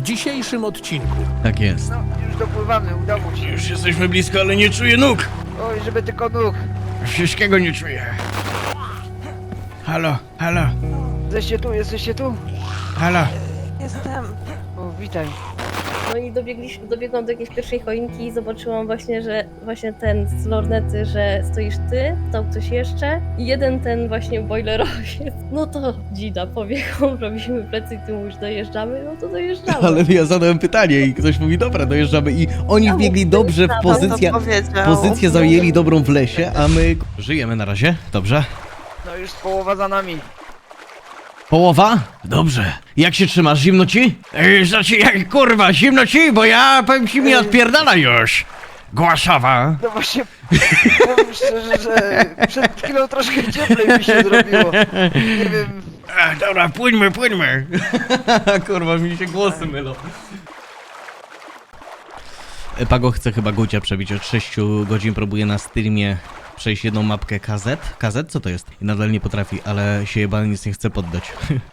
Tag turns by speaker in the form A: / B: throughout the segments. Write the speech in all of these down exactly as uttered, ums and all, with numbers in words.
A: dzisiejszym odcinku.
B: Tak jest.
C: No, już dopływamy, udało się.
B: Już jesteśmy blisko, ale nie czuję nóg.
C: Oj, żeby tylko nóg.
B: Wszystkiego nie czuję. Halo, halo,
C: Jesteście tu, jesteście tu?
B: halo.
D: Jestem.
C: O, witaj.
D: No i dobiegliśmy, dobiegłam do jakiejś pierwszej choinki i zobaczyłam właśnie, że właśnie ten z lornety, że stoisz ty, stał ktoś jeszcze i jeden ten właśnie boilerowiec. No to dzida, pobiegłam, robimy plecy i ty mówisz dojeżdżamy, no to dojeżdżamy.
B: Ale ja zadałem pytanie i ktoś mówi, dobra, dojeżdżamy i oni
D: Ja
B: wbiegli
D: mu
B: dobrze w
D: tam
B: pozycję,
D: to powiedział.
B: pozycję zajęli dobrą w lesie, a my... Żyjemy na razie, dobrze?
C: No już połowa za nami.
B: Połowa? Dobrze. Jak się trzymasz, zimno ci? Yy, znaczy, jak kurwa, zimno ci, bo ja powiem ci mi odpierdala już. Głaszawa.
C: No właśnie, powiem szczerze, że przed chwilą troszkę cieplej mi się zrobiło. Nie wiem,
B: Ach, dobra, płyńmy, płyńmy. Kurwa, mi się głosy mylą. Pago chce chyba Gucia przebić. Od sześciu godzin próbuje na streamie przejść jedną mapkę K Z. K Z? Co to jest? I nadal nie potrafi, ale się jebany nic nie chce poddać.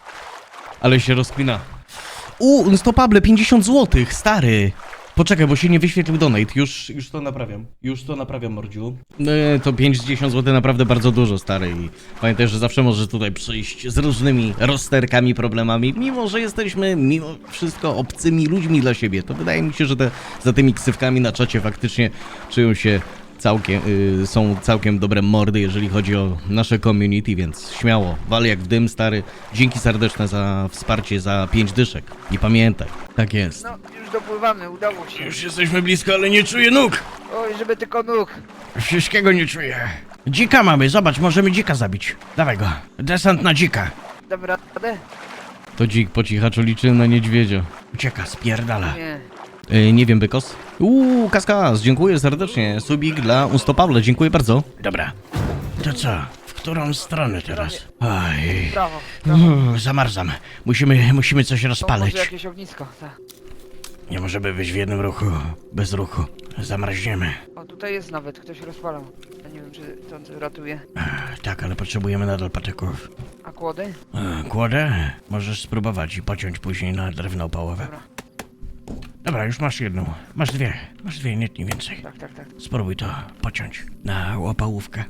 B: Ale się rozkmina. U, Unstoppable, pięćdziesiąt złotych, stary. Poczekaj, bo się nie wyświetlił donate. Już, już to naprawiam. Już to naprawiam, mordziu. No, to pięćdziesiąt złotych naprawdę bardzo dużo, stary. I pamiętaj, że zawsze możesz tutaj przyjść z różnymi rozterkami, problemami. Mimo, że jesteśmy mimo wszystko obcymi ludźmi dla siebie, to wydaje mi się, że te, za tymi ksywkami na czacie faktycznie czują się całkiem, y, są całkiem dobre mordy, jeżeli chodzi o nasze community, więc śmiało, wal jak w dym, stary. Dzięki serdeczne za wsparcie, za pięć dyszek. I pamiętaj, tak jest.
C: no już dopływamy, udało się.
B: Już jesteśmy blisko, ale nie czuję nóg.
C: Oj, żeby tylko nóg.
B: Wszystkiego nie czuję. Dzika mamy, zobacz, możemy dzika zabić. Dawaj go. Desant na dzika.
C: Dam radę?
B: To dzik po cichaczu liczy na niedźwiedzia. Ucieka, spierdala.
C: Nie.
B: Yy, nie wiem, Bykos. Uuu, Kaskas, dziękuję serdecznie. Subik dla Unstoppable, dziękuję bardzo. Dobra. To co? W którą stronę teraz? Oj.
C: Brawo. brawo.
B: Uuu, zamarzam. Musimy, musimy coś
C: To
B: rozpalać.
C: może jakieś ognisko, tak.
B: Nie możemy być w jednym ruchu, bez ruchu. Zamarzniemy.
C: O, tutaj jest nawet, ktoś rozpalał. Ja nie wiem, czy to ratuje.
B: Ech, tak, ale potrzebujemy nadal patyków.
C: A kłody?
B: E, Kłodę? Możesz spróbować i pociąć później na drewno opałowe.
C: Dobra.
B: Dobra, już masz jedną. Masz dwie. Masz dwie, nie, nie więcej.
C: Tak, tak, tak.
B: Spróbuj to pociąć na opałówkę.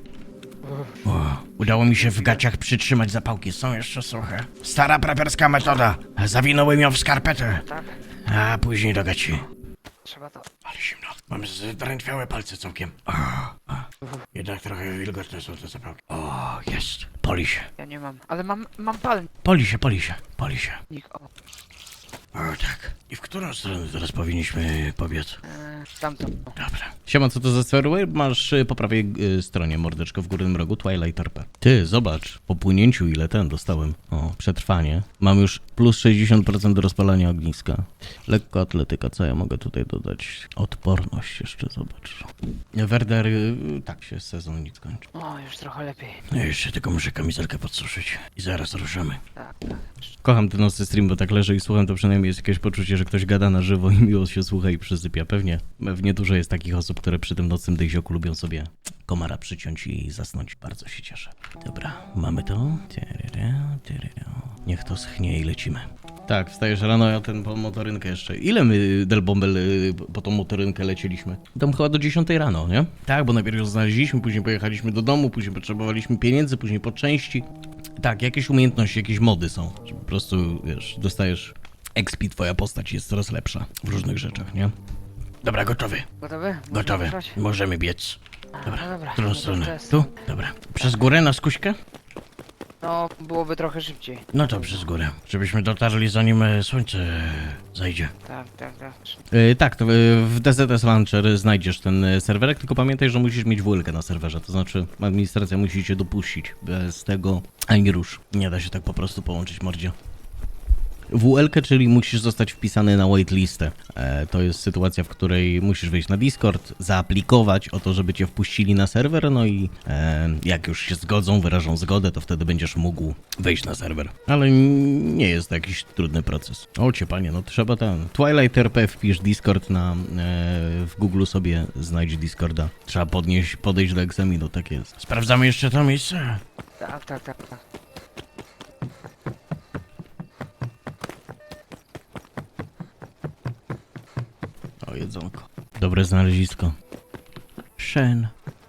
B: O, udało mi się w gaciach przytrzymać zapałki. Są jeszcze suche. Stara preperska metoda. Zawinąłem ją w skarpetę.
C: Tak,
B: A później do gaci.
C: trzeba to.
B: Ale zimno. Mam zdrętwiałe palce całkiem. O, o. Jednak trochę wilgotne są te zapałki. O, jest. Poli się.
C: Ja nie mam, ale mam, mam palnik.
B: Poli się, poli się. Poli się.
C: O,
B: O tak. I w którą stronę teraz powinniśmy pobiec?
C: e, tamto.
B: Dobra. Siema, co to za serwer? Masz y, po prawej y, stronie mordeczko w górnym rogu Twilight R P. Ty, zobacz, po płynięciu ile ten dostałem. O, przetrwanie. Mam już plus sześćdziesiąt procent do rozpalania ogniska. Lekko atletyka, co ja mogę tutaj dodać? Odporność jeszcze, zobacz. Werder, y, tak się sezon nic kończy.
C: O, już trochę lepiej.
B: No jeszcze tylko muszę kamizelkę podsuszyć. I zaraz ruszamy.
C: Tak, tak.
B: Kocham ten nocny stream, bo tak leżę i słucham, to przynajmniej jest jakieś poczucie, że ktoś gada na żywo i miło się słucha i przysypia. Pewnie, pewnie dużo jest takich osób, które przy tym nocnym dyzioku lubią sobie komara przyciąć i zasnąć. Bardzo się cieszę. Dobra, mamy to. Niech to schnie i lecimy. Tak, wstajesz rano, ja ten po motorynkę jeszcze. Ile my, Del Bombel, y, po tą motorynkę lecieliśmy? Tam chyba do dziesiątej rano, nie? Tak, bo najpierw ją znaleźliśmy, później pojechaliśmy do domu, później potrzebowaliśmy pieniędzy, później po części. Tak, jakieś umiejętności, jakieś mody są. Że po prostu, wiesz, dostajesz expi, twoja postać jest coraz lepsza w różnych rzeczach, nie? Dobra, gotowy.
C: Gotowy? Można
B: Gotowy.
C: ruszać?
B: Możemy biec. Dobra,
C: No dobra,
B: w którą
C: no to
B: stronę?
C: przez-
B: Tu? Dobra. Przez górę na skuśkę?
C: No, byłoby trochę szybciej.
B: No to przez górę. Żebyśmy dotarli zanim e, słońce zajdzie.
C: Tak, tak, tak.
B: Yy, tak, to yy, w D Z S Launcher znajdziesz ten yy, serwerek, tylko pamiętaj, że musisz mieć W L K na serwerze, to znaczy administracja musi cię dopuścić. Bez tego ani rusz. Nie da się tak po prostu połączyć, mordzie. W L K, czyli musisz zostać wpisany na waitlistę. E, to jest sytuacja, w której musisz wejść na Discord, zaaplikować o to, żeby cię wpuścili na serwer, no i e, jak już się zgodzą, wyrażą zgodę, to wtedy będziesz mógł wejść na serwer. Ale n- nie jest to jakiś trudny proces. O cię panie, no trzeba ten... Twilight R P wpisz Discord na... E, w Google sobie znajdź Discorda. Trzeba podnieść, podejść do egzaminu, tak jest. Sprawdzamy jeszcze to miejsce.
C: Tak, tak, tak, tak.
B: O, jedzonko. Dobre znalezisko. Shen.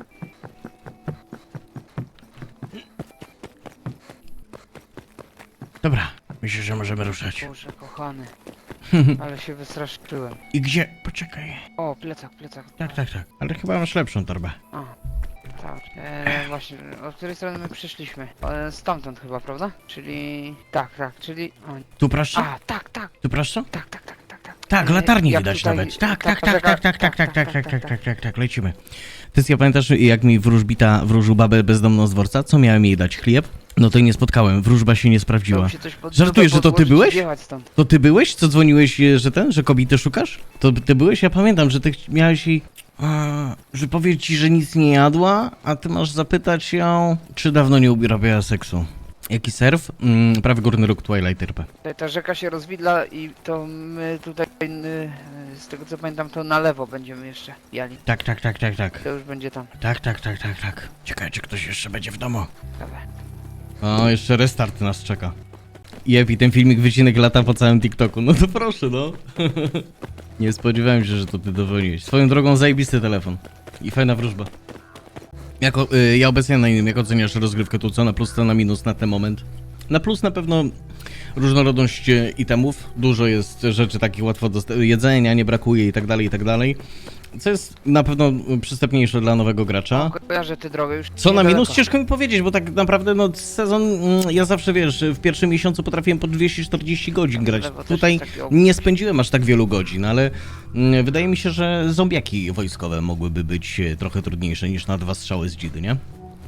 B: Dobra, myślę, że możemy ruszać.
C: Boże, kochany. Ale się wystraszyłem.
B: I gdzie? Poczekaj.
C: O, plecak, plecak.
B: Tak, tak, tak. Ale chyba masz lepszą torbę.
C: A, tak. E, właśnie, od której strony my przyszliśmy? E, stamtąd chyba, prawda? Czyli... Tak, tak, czyli... O,
B: Tu proszę?
C: a, tak, tak,
B: Tu proszę?
C: tak, tak, tak, tak, tak.
B: Tak,
C: E,
B: latarni
C: jak
B: widać
C: tutaj-
B: nawet. Tak, tak,
C: tak,
B: tak, tak, tak, tak, tak, tak, tak,
C: tak,
B: tak, tak, tak, lecimy. Ty, ja pamiętasz, jak mi wróżbita wróżył babę bezdomną z dworca? Co miałem jej dać? Chleb? No to jej nie spotkałem, wróżba się nie sprawdziła.
C: Chciało się coś pod-
B: Żartujesz, że to ty
C: podłożyć i
B: byłeś?
C: wjechać stąd.
B: To ty byłeś, co dzwoniłeś, e, że ten, że kobiety szukasz? To ty byłeś? Ja pamiętam, że ty ch- miałeś jej... A, że powie ci, że nic nie jadła, a ty masz zapytać ją, czy dawno nie uprawiała seksu. Jaki surf? Mm, prawy górny róg Twilight R P.
C: Tutaj ta rzeka się rozwidla i to my tutaj, y, z tego co pamiętam, to na lewo będziemy jeszcze jali.
B: Tak, tak, tak, tak, tak.
C: To już będzie tam.
B: Tak, tak, tak, tak, tak. Ciekawe, czy ktoś jeszcze będzie w domu.
C: Dobra.
B: O, jeszcze restart nas czeka. Jep, i ten filmik wycinek lata po całym TikToku. No to proszę, no. Nie spodziewałem się, że to ty dowoliłeś. Swoją drogą zajebisty telefon. I fajna wróżba. Jako, y, ja obecnie na innym, jak oceniasz rozgrywkę tu, co na plus, co na minus na ten moment? Na plus na pewno różnorodność e, itemów. Dużo jest rzeczy takich łatwo do jedzenia, nie brakuje i tak dalej, i tak dalej. Co jest na pewno przystępniejsze dla nowego gracza.
C: Kojarzę tę drogę już.
B: Co na
C: niedaleko.
B: minus ciężko mi powiedzieć, bo tak naprawdę no sezon, mm, ja zawsze wiesz, w pierwszym miesiącu potrafiłem po dwieście czterdzieści godzin grać.
C: Lewo też
B: Tutaj
C: jest taki obóz.
B: nie spędziłem aż tak wielu godzin, ale mm, wydaje mi się, że zombiaki wojskowe mogłyby być e, trochę trudniejsze niż na dwa strzały z dzidy, nie?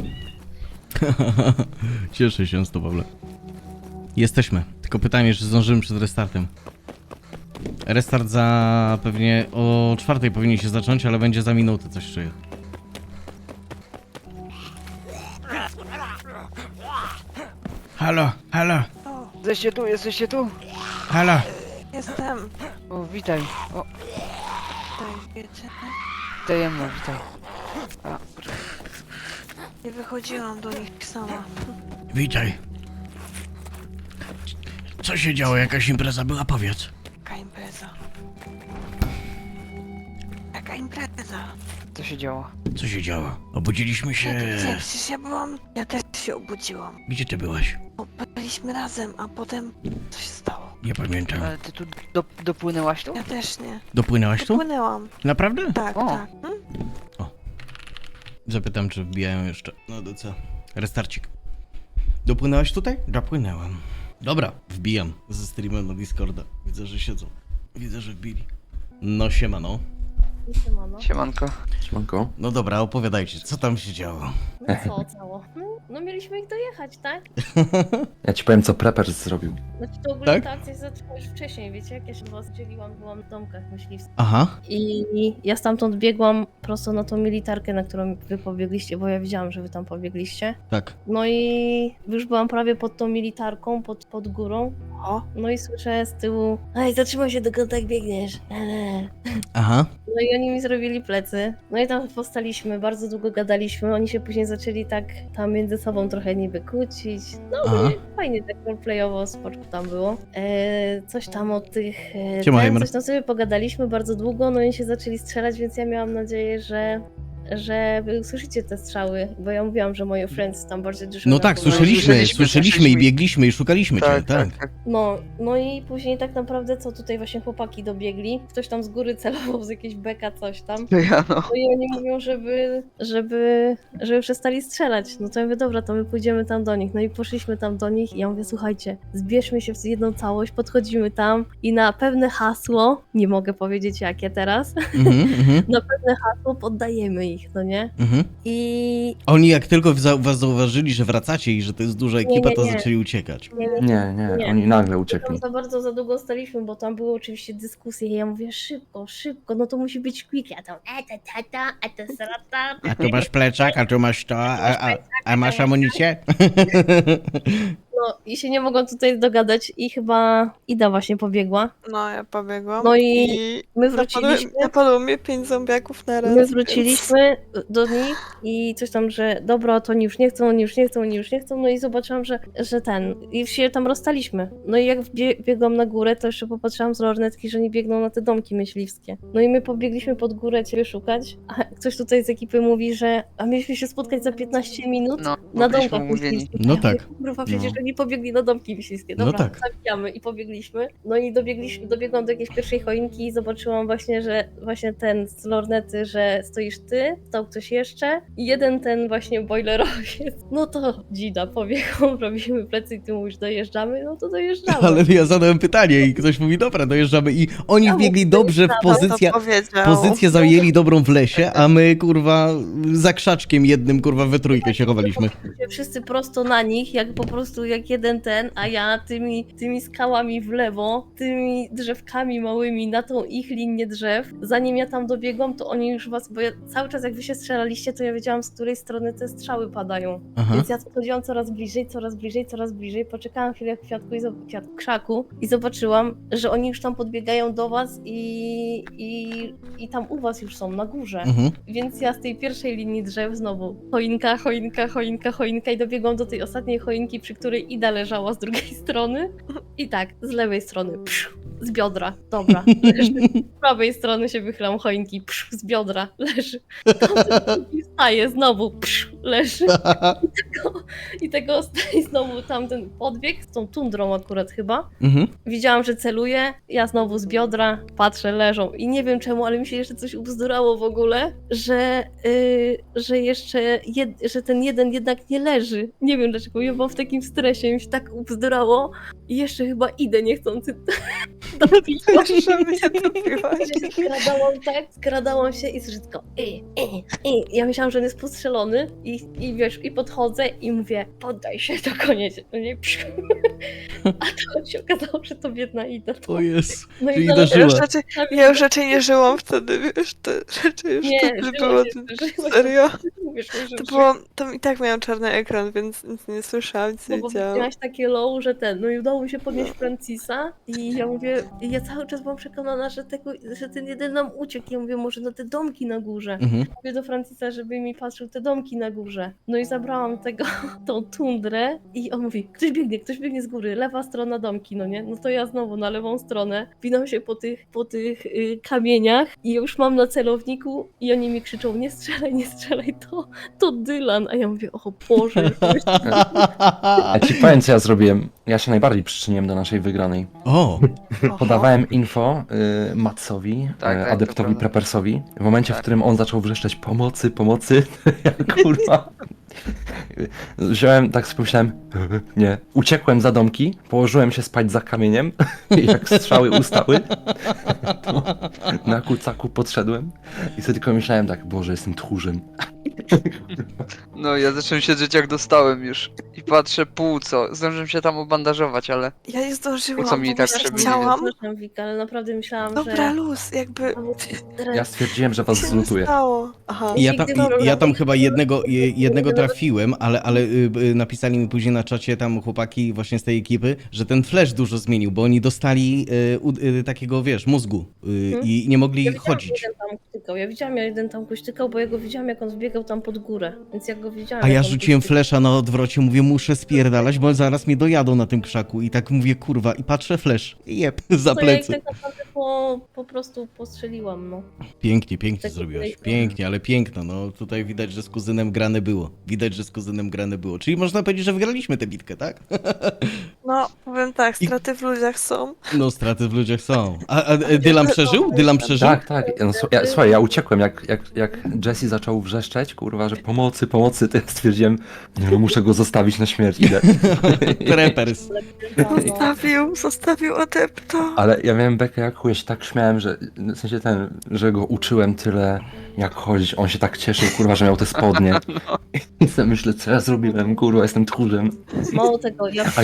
B: Cieszę się z to, Pawle. Jesteśmy. Tylko pytanie, czy zdążymy przed restartem. Restart za pewnie o czwartej powinien się zacząć, ale będzie za minutę, coś czuję. Halo, halo,
C: Jesteście tu, jesteście tu?
B: halo.
A: Jestem.
C: O, witaj. O,
A: Tutaj wiecie.
C: tajemno, witaj. A,
A: Nie wychodziłam do nich sama.
B: Witaj. Co się działo? Jakaś impreza była? Powiedz.
A: Jaka impreza? Jaka impreza?
C: co się działo?
B: Co się działo? Obudziliśmy się...
A: Nie, przecież ja byłam... Ja też się obudziłam.
B: Gdzie ty byłaś?
A: Bo byliśmy razem, a potem... Co się stało?
B: Nie pamiętam.
C: Ale ty tu do, dopłynęłaś tu?
A: Ja też nie.
B: Dopłynęłaś tu?
A: Dopłynęłam.
B: Naprawdę?
A: Tak,
C: O.
A: tak. Hmm?
B: Zapytam, czy wbijają jeszcze. No to co? Restarcik. Dopłynęłaś tutaj? Dopłynęłam. Dobra, wbijam ze streamem na Discorda. Widzę, że siedzą. Widzę, że wbili. No siemano.
D: Siemano.
C: Siemanko.
E: Siemanko.
B: No dobra, opowiadajcie, co tam się działo?
D: No co cało? No, no mieliśmy ich dojechać, tak?
E: Ja ci powiem, co Prepper zrobił.
D: Znaczy to ogólnie
B: Tak?
D: ta akcja zaczęła już wcześniej, wiecie? Jak ja się was dzieliłam, byłam w domkach myśliwskich.
B: Aha.
D: I ja stamtąd biegłam prosto na tą militarkę, na którą wy pobiegliście, bo ja widziałam, że wy tam pobiegliście.
B: Tak.
D: No i już byłam prawie pod tą militarką, pod, pod górą.
A: O,
D: No i słyszę z tyłu: ej, zatrzymaj się, dokąd tak biegniesz. Eee.
B: Aha.
D: No i oni mi zrobili plecy. No i tam postaliśmy, bardzo długo gadaliśmy. Oni się później zaczęli tak tam między sobą trochę niby kłócić. No
B: Aha.
D: ogólnie fajnie tak roleplayowo, spoczko tam było. Eee, coś tam o tych... E,
B: Siema,
D: ten,
B: Heimer.
D: coś tam sobie pogadaliśmy bardzo długo, no i się zaczęli strzelać, więc ja miałam nadzieję, że że wy usłyszycie te strzały, bo ja mówiłam, że moje friends tam bardzo dużo...
B: No tak,
D: rapowały.
B: słyszeliśmy,
C: słyszeliśmy,
B: słyszeliśmy i
C: słyszeliśmy.
B: biegliśmy i szukaliśmy cię, tak.
D: No, no i później tak naprawdę co tutaj właśnie chłopaki dobiegli, ktoś tam z góry celował z jakiejś beka, coś tam.
C: To ja no.
D: No i oni mówią, żeby, żeby, żeby przestali strzelać. No to ja mówię, dobra, to my pójdziemy tam do nich. No i poszliśmy tam do nich i ja mówię, słuchajcie, zbierzmy się w jedną całość, podchodzimy tam i na pewne hasło, nie mogę powiedzieć jakie teraz,
B: Mhm, mhm,
D: na pewne hasło poddajemy ich, no nie?
B: mhm.
D: I...
B: Oni jak tylko za- was zauważyli, że wracacie i że to jest duża ekipa,
D: nie,
B: to
D: nie.
B: zaczęli uciekać.
D: Nie, nie,
E: Nie, nie,
D: Nie.
E: oni nagle
D: Tam
E: uciekli.
D: za bardzo za długo staliśmy, bo tam były oczywiście dyskusje i ja mówię, szybko, szybko, no to musi być quick, ja tam e, ta, ta, ta, a ta, ta, ta.
B: A tu masz plecak, a tu masz to, a, a, a masz amunicję?
D: No i się nie mogłam tutaj dogadać i chyba Ida właśnie pobiegła.
A: No, ja pobiegłam.
D: No i my
A: napadły,
D: wróciliśmy.
A: napadło mnie pięć zombiaków na raz.
D: My
A: Więc...
D: wróciliśmy do nich i coś tam, że dobra, to oni już nie chcą, oni już nie chcą, oni już nie chcą, no i zobaczyłam, że, że ten, i się tam rozstaliśmy. No i jak bie biegłam na górę, to jeszcze popatrzyłam z lornetki, że oni biegną na te domki myśliwskie. No i my pobiegliśmy pod górę ciebie szukać, a ktoś tutaj z ekipy mówi, że a mieliśmy się spotkać za piętnaście minut
C: No,
D: na
C: byliśmy
D: domkach
C: umówieni.
D: myśliwskich.
B: No
D: Ja
B: tak.
D: mówię, kurwa, przecież
B: No.
D: oni pobiegli na domki myśliwskie.
B: No
D: Dobra,
B: tak.
D: zabijamy i pobiegliśmy. No i dobiegliśmy, dobiegłam do jakiejś pierwszej choinki i zobaczyłam właśnie, że właśnie ten z lornety, że stoisz ty, stał ktoś jeszcze i jeden ten właśnie boilerowiec. No to dzida, pobiegł, robimy plecy i ty mówisz dojeżdżamy, no to dojeżdżamy.
B: Ale ja zadałem pytanie i ktoś mówi, dobra, dojeżdżamy i oni
D: Ja
B: wbiegli
D: mówię,
B: dobrze w
D: dobra,
B: pozycję,
A: To powiedział.
B: pozycję zajęli dobrą w lesie, a my, kurwa, za krzaczkiem jednym, kurwa, we trójkę się chowaliśmy.
D: Wszyscy prosto na nich, jak po prostu jak jeden ten, a ja tymi, tymi skałami w lewo, tymi drzewkami małymi na tą ich linię drzew. Zanim ja tam dobiegłam, to oni już was, bo ja cały czas jak wy się strzelaliście, to ja wiedziałam, z której strony te strzały padają.
B: Aha.
D: Więc ja podchodziłam coraz bliżej, coraz bliżej, coraz bliżej. Poczekałam chwilę w kwiatku i zob- kwiat, krzaku i zobaczyłam, że oni już tam podbiegają do was i, i, i tam u was już są, na górze.
B: Mhm.
D: Więc ja z tej pierwszej linii drzew znowu choinka, choinka, choinka, choinka i dobiegłam do tej ostatniej choinki, przy której Ida leżała z drugiej strony. I tak, z lewej strony, psz, z biodra, dobra, leży. Z prawej strony się wychylam choinki, psz, z biodra, leży. I wstaje znowu, psz, leży. I tego, i tego i znowu tamten podbieg, z tą tundrą akurat chyba.
B: Mhm.
D: Widziałam, że celuje, ja znowu z biodra, patrzę, leżą i nie wiem czemu, ale mi się jeszcze coś ubzdurało w ogóle, że, yy, że jeszcze, jed, że ten jeden jednak nie leży. Nie wiem dlaczego, ja byłam w takim stresie, mi się tak ubzdurało i jeszcze chyba idę niechcący dobić.
A: Że mnie dobiłaś.
D: Ja się skradałam tak, skradałam się i wszystko. I, i, i. Ja myślałam, że on jest postrzelony i, i wiesz, i podchodzę i mówię, poddaj się, to koniec. No nie, psz. A to się okazało, że to biedna Ida.
B: O jest.
D: No
B: Czyli
D: zaraz-
B: dożyła.
A: Ja już, raczej, ja już raczej nie żyłam wtedy, wiesz, te rzeczy już
D: Nie,
A: wtedy
D: żyła
A: było.
D: się, żyła się.
A: Serio?
D: Wiesz, że-
A: To
D: że-
A: było, tam i tak miałam czarny ekran, więc nic nie słyszałam, nic
D: No
A: nie
D: bo
A: widziałam.
D: miałaś takie low, że ten, no i udało mi się podnieść Francisa i ja mówię, i ja cały czas byłam przekonana, że, tego, że ten jeden nam uciekł. Ja mówię, może na te domki na górze.
B: Mhm.
D: Mówię do Francisa, żeby mi patrzył te domki na górze. No i zabrałam tego, tą tundrę i on mówi, ktoś biegnie, ktoś biegnie z góry, lewa strona domki, no nie? No to ja znowu na lewą stronę, winam się po tych, po tych y, kamieniach i już mam na celowniku i oni mi krzyczą, nie strzelaj, nie strzelaj, to, to Dylan. A ja mówię, o Boże,
E: Ja ci powiem, co ja zrobiłem. Ja się najbardziej przyczyniłem do naszej wygranej.
B: O,
E: Podawałem info y, Matsowi,
C: Tak,
E: y,
C: tak, to
E: adeptowi
C: prawda.
E: Preppersowi. W momencie, w
C: Tak.
E: którym on zaczął wrzeszczeć pomocy, pomocy, ja kurwa... Wziąłem, tak sobie pomyślałem, nie. Uciekłem za domki, położyłem się spać za kamieniem i jak strzały ustały, to na kucaku podszedłem i sobie tylko myślałem tak, Boże, jestem tchórzem.
C: No, ja zacząłem siedzieć jak dostałem już. I patrzę płuco. Zdążyłem się tam obandażować, ale...
A: Ja nie zdążyłam,
C: Po co mi
A: bo
C: tak
A: myślałam-
C: przebiegnie?
A: chciałam.
D: Przepraszam, Wika, ale naprawdę myślałam,
A: Dobra,
D: że...
A: luz, jakby...
E: Ja stwierdziłem, że was
A: Co się
E: zlutuję.
A: stało? Aha.
B: ja tam,
D: Nigdy dobra.
B: ja tam chyba jednego, je- jednego trafiłem, ale, ale y, y, napisali mi później na czacie tam chłopaki właśnie z tej ekipy, że ten flash dużo zmienił, bo oni dostali y, u- y, takiego, wiesz, mózgu y,
D: Mhm.
B: i nie mogli
D: Ja widziałam,
B: chodzić.
D: Jeden tam kuśtykał. Ja widziałam, jak jeden tam kuśtykał, bo ja go widziałam, jak on zbiegał tam pod górę. Więc ja go widziałam.
B: A
D: jak
B: ja
D: on
B: rzuciłem
D: kuśtykał.
B: flesza na odwrocie, mówię, muszę spierdalać, bo zaraz mnie dojadą na tym krzaku. I tak mówię, kurwa, i patrzę, flash, jeb, za
D: To ja ich
B: plecy.
D: tak naprawdę po, po prostu postrzeliłam, no.
B: Pięknie, pięknie
D: Tak
B: zrobiłaś,
D: tutaj-
B: pięknie, ale piękno, no tutaj widać, że z kuzynem grane było. Widać, że z kuzynem grane było. Czyli można powiedzieć, że wygraliśmy tę bitkę, tak?
A: No, powiem tak,
B: I-
A: straty w ludziach są.
B: No, straty w ludziach są. A, a a Dylan przeżył? Dylan przeżył?
E: Tak, tak. No, słu- ja, słuchaj, ja uciekłem, jak, jak, jak Jesse zaczął wrzeszczeć, kurwa, że pomocy, pomocy, to ja stwierdziłem, nie no, muszę go zostawić na śmierć, idę.
B: Preppers.
D: No,
A: Zostawił, zostawił adepto.
E: Ale ja miałem bekę jak chuj, ja się tak śmiałem, że w sensie ten, że go uczyłem tyle jak chodzić, on się tak cieszył, kurwa, że miał te spodnie. I sobie myślę, co ja zrobiłem, kurwa, jestem tchórzem.
D: Mało tego, ja
E: A ja spałem za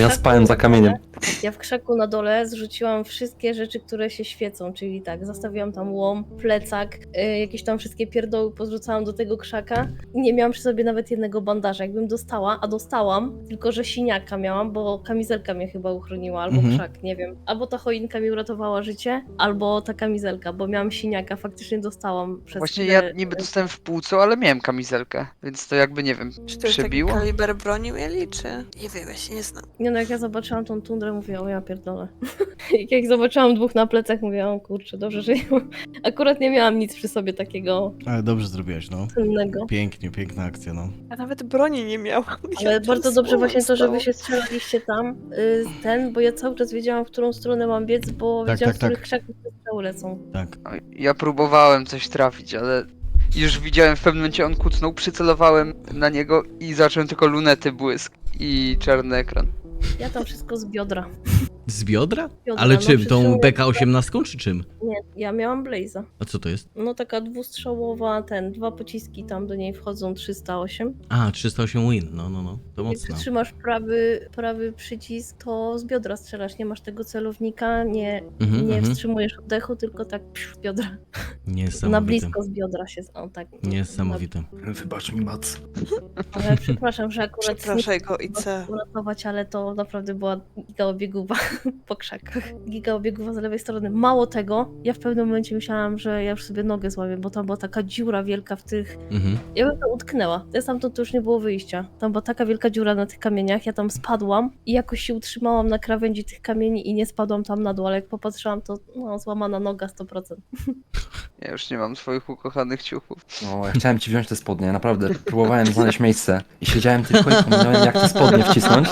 E: za kamieniem.
D: Ja w krzaku na dole zrzuciłam wszystkie rzeczy, które się świecą, czyli tak, zostawiłam tam łom, plecak, y, jakieś tam wszystkie pierdoły pozrzucałam do tego krzaka i nie miałam przy sobie nawet jednego bandaża. Jakbym dostała, a dostałam, tylko że siniaka miałam, bo kamizelka mnie chyba uchroniła, albo
B: Mhm.
D: krzak, nie wiem. Albo ta choinka mi uratowała życie, albo ta kamizelka, bo miałam siniaka, faktycznie dostałam przez
C: Właśnie
D: chwilę-
C: ja niby dostałem w półco, ale miałem kamizelkę, więc to jakby nie wiem,
A: Czy to już taki
C: przebiło?
A: kaliber broni mieli, czy... Nie wiem, ja się nie znam.
D: Nie no, jak ja zobaczyłam tą tundrę, mówię, o ja pierdolę. Jak zobaczyłam dwóch na plecach, mówię, o kurczę, dobrze, że ja akurat nie miałam nic przy sobie takiego
B: Ale dobrze zrobiłaś, no.
D: cennego.
B: Pięknie, piękna akcja, no.
A: Ja nawet broni nie miałam.
D: Ale
A: Ja
D: bardzo
A: tam
D: dobrze
A: słowo
D: właśnie to, że
A: stało.
D: wy się strzelaliście tam, y, ten, bo ja cały czas wiedziałam, w którą stronę mam biec, bo
B: Tak,
D: wiedziałam,
B: tak,
D: z których
B: tak.
D: krzaków te strzały lecą.
B: Tak.
C: No, ja próbowałem coś trafić, ale już widziałem w pewnym momencie on kucnął, przycelowałem na niego i zacząłem tylko lunety błysk i czarny ekran.
D: Ja tam wszystko z biodra.
B: Z biodra?
D: Biodra,
B: Ale
D: no,
B: czym? Tą
D: przytrzymuję-
B: B K osiemnaście czy czym?
D: Nie, ja miałam Blaze'a.
B: A co to jest?
D: No taka dwustrzałowa, ten, dwa pociski tam do niej wchodzą, trzysta osiem.
B: A, trzysta osiem win, no, no, no. To
D: Jak
B: mocno.
D: trzymasz prawy, prawy przycisk, to z biodra strzelasz, nie masz tego celownika, nie,
B: Mhm,
D: nie
B: mhm.
D: wstrzymujesz oddechu, tylko tak psz, z biodra. Na
B: Niesamowite.
D: blisko z biodra się, o tak.
B: Niesamowite.
E: Wybacz mi, Mac.
D: Ale przepraszam, że akurat
A: Przepraszaj go i co?
D: uratować, ale to naprawdę była giga obieguwa po krzakach. Giga obieguwa z lewej strony. Mało tego, ja w pewnym momencie myślałam, że ja już sobie nogę złamię, bo tam była taka dziura wielka w tych...
B: Mhm.
D: Ja bym to utknęła. Ja stamtąd to już nie było wyjścia. Tam była taka wielka dziura na tych kamieniach, ja tam spadłam i jakoś się utrzymałam na krawędzi tych kamieni i nie spadłam tam na dół, ale jak popatrzyłam, to no, złamana noga sto procent.
C: Ja już nie mam swoich ukochanych ciuchów.
E: No, ja chciałem ci wziąć te spodnie, naprawdę. Próbowałem znaleźć miejsce i siedziałem tylko i kombinowałem, jak te spodnie wcisnąć.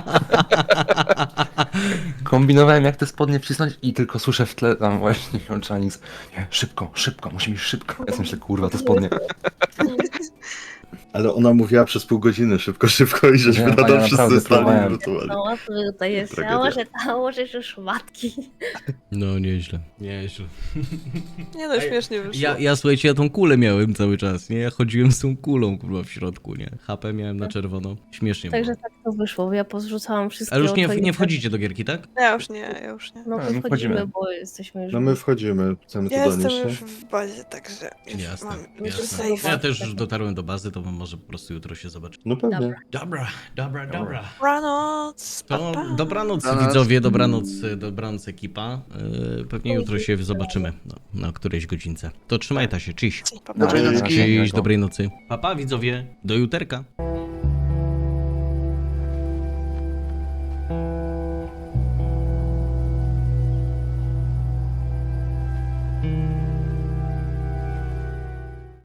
E: Kombinowałem, jak te spodnie wcisnąć i tylko słyszę w tle tam właśnie Chinese. Nie, szybko, szybko, musimy iść szybko. Ja myślę, kurwa, te spodnie.
F: Ale ona mówiła przez pół godziny szybko, szybko i żeśmy
E: Nie,
F: nadal
E: ja
F: wszyscy
E: naprawdę
F: stali i
E: próbowałem.
F: lutowali.
D: No, to tutaj jest,
F: Tragedia.
D: ja może, a może już matki.
B: No, nieźle. Nieźle.
A: Nie no, śmiesznie wyszło.
B: Ja, ja słuchajcie, ja tą kulę miałem cały czas, nie? Ja chodziłem z tą kulą, kurwa, w środku, nie? H P miałem na czerwono. Śmiesznie było.
D: Także tak to wyszło, ja pozrzucałam wszystkie
B: Ale już nie,
D: oto i
B: nie
D: tak.
B: wchodzicie do gierki, tak?
A: Ja już nie, ja już nie.
D: No
E: A,
D: to
E: my
D: wchodzimy,
E: wchodzimy.
D: bo jesteśmy już...
F: No my wchodzimy, chcemy
A: Ja
F: to
A: jestem
F: donieść,
A: już
F: nie?
A: w bazie, także już
B: Jasne,
A: mam
B: jasne.
A: save.
B: Ja też już dotarłem do bazy, to może po prostu jutro się zobaczy.
F: No pewnie.
D: Dobra.
B: Dobra, dobra, dobra.
A: Dobranoc,
B: To
A: pa, pa.
B: dobranoc,
C: Dobranoc.
B: widzowie, dobranoc, dobranoc ekipa. Yy, Pewnie jutro się zobaczymy no, na którejś godzince. To trzymaj ta się, cześć.
A: Pa, pa.
E: Dobrej
C: Dobrej
E: nocki.
C: nocki.
B: Cześć, dobrej nocy. Papa, widzowie, do juterka.